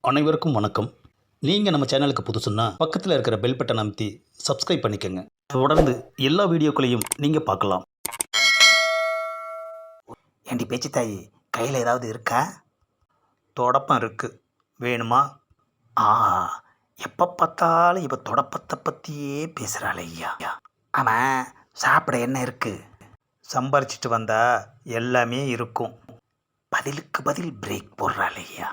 அனைவருக்கும் வணக்கம். நீங்கள் நம்ம சேனலுக்கு புதுசுன்னா பக்கத்தில் இருக்கிற பெல் பட்டன் அமைத்தி சப்ஸ்கிரைப் பண்ணிக்கோங்க. தொடர்ந்து எல்லா வீடியோக்களையும் நீங்கள் பார்க்கலாம். ஏண்டி பேச்சு தாயி, கையில் ஏதாவது இருக்கா? தொடப்பம் இருக்கு, வேணுமா? ஆஹா, எப்போ பார்த்தாலும் இப்போ தொடப்பத்தை பற்றியே பேசுகிறாள் ஐயா. ஆமாம், சாப்பிட என்ன இருக்கு? சம்பாரிச்சிட்டு வந்தா எல்லாமே இருக்கும். பதிலுக்கு பதில் பிரேக் போடுறாள் ஐயா.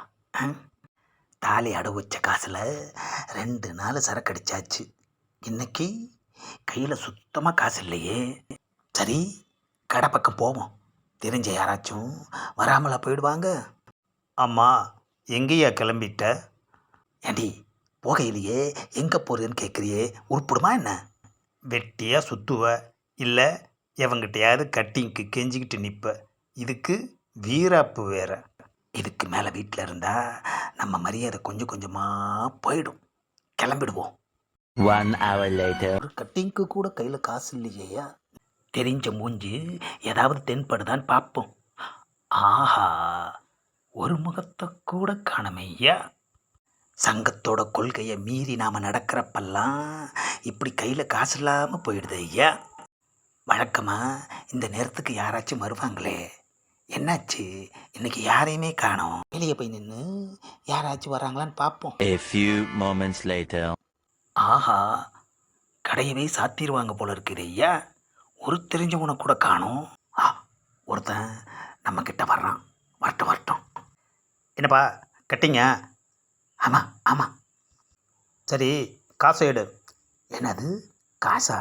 தாலி அடவு வச்ச காசில் 2 நாள் சரக்கு அடிச்சாச்சு. இன்னைக்கு கையில் சுத்தமாக காசு இல்லையே. சரி, கடை பக்கம் போவோம். தெரிஞ்ச யாராச்சும் வராமலா போயிடுவாங்க. அம்மா, எங்கேயா கிளம்பிட்ட? ஏண்டி, போகையிலேயே எங்கே போகிறேன்னு கேட்குறியே, உருப்பிடுமா என்ன? வெட்டியாக சுற்றுவ, இல்லை எவங்கிட்டையாவது கட்டிங்க்கு கெஞ்சிக்கிட்டு நிற்ப. இதுக்கு வீராப்பு வேற. இதுக்கு மேலே வீட்டில் இருந்தால் நம்ம மரியாதை கொஞ்சம் கொஞ்சமாக போயிடும். கிளம்பிடுவோம். 1 hour later. ஒரு கட்டிங்க்கு கூட கையில் காசு இல்லையா? தெரிஞ்ச மூஞ்சி ஏதாவது தென்படுதான்னு பார்ப்போம். ஆஹா, ஒரு முகத்தை கூட காணமையா. சங்கத்தோட கொள்கையை மீறி நாம் நடக்கிறப்பெல்லாம் இப்படி கையில் காசு இல்லாமல் போயிடுது ஐயா. வழக்கமாக இந்த நேரத்துக்கு யாராச்சும் வருவாங்களே, என்னாச்சு? இன்னைக்கு யாரையுமே காணோம். வெளியே போய் நின்று யாராச்சும் வராங்களான்னு பார்ப்போம். A few moments later. ஆஹா, கடையவே சாத்திடுவாங்க போல இருக்குது ஐயா. ஒரு தெரிஞ்சவனை கூட காணோம். ஒருத்தன் நம்ம கிட்ட வர்றான். வரட்டும் வரட்டும். என்னப்பா கட்டிங்க? ஆமாம் ஆமாம். சரி, காசை எடு. என்னது காசா?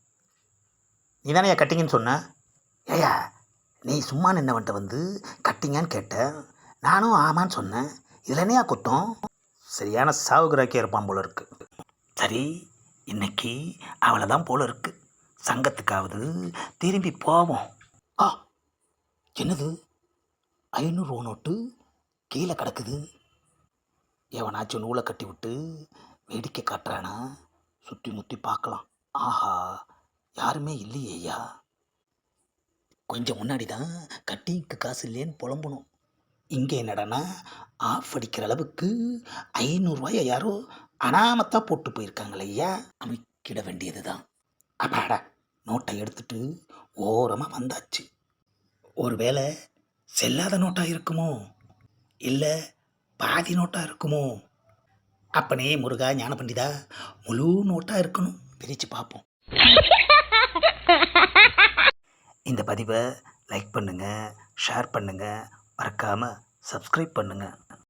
நீ தானே கட்டிங்கன்னு சொன்ன? ஏயா, நீ சும்மா நின்னவன்ட்ட வந்து கட்டிங்கன்னு கேட்டேன். நானும் ஆமான்னு சொன்னேன். இதில் என்னையா குத்தம்? சரியான சாவுகிராக்கியாக இருப்பான் போல இருக்கு. சரி, இன்னைக்கு அவளை தான் போல இருக்கு. சங்கத்துக்காவது திரும்பி போவோம். என்னது, 500 ரூபா நோட்டு கீழே கிடக்குது. எவனாச்சும் நூலை கட்டி விட்டு வேடிக்கை காட்டுறானா? சுற்றி முற்றி பார்க்கலாம். ஆஹா, யாருமே இல்லையேயா. கொஞ்சம் முன்னாடி தான் கட்டிங்க்கு காசு இல்லைன்னு புலம்பணும். இங்கே என்னடானா ஆஃப் அடிக்கிற அளவுக்கு 500 ரூபாயை யாரோ அனாமத்தாக போட்டு போயிருக்காங்களே ஐயா. அமைக்கிட வேண்டியது தான். அப்பாடா, நோட்டை எடுத்துட்டு ஓரமாக வந்தாச்சு. ஒருவேளை செல்லாத நோட்டாக இருக்குமோ, இல்லை பாதி நோட்டாக இருக்குமோ? அப்பனே முருகா ஞான பண்டிதா, முழு நோட்டாக இருக்கணும். பிரித்து பார்ப்போம். இந்த பதிவை லைக் பண்ணுங்கள், ஷேர் பண்ணுங்கள், மறக்காமல் சப்ஸ்கிரைப் பண்ணுங்கள்.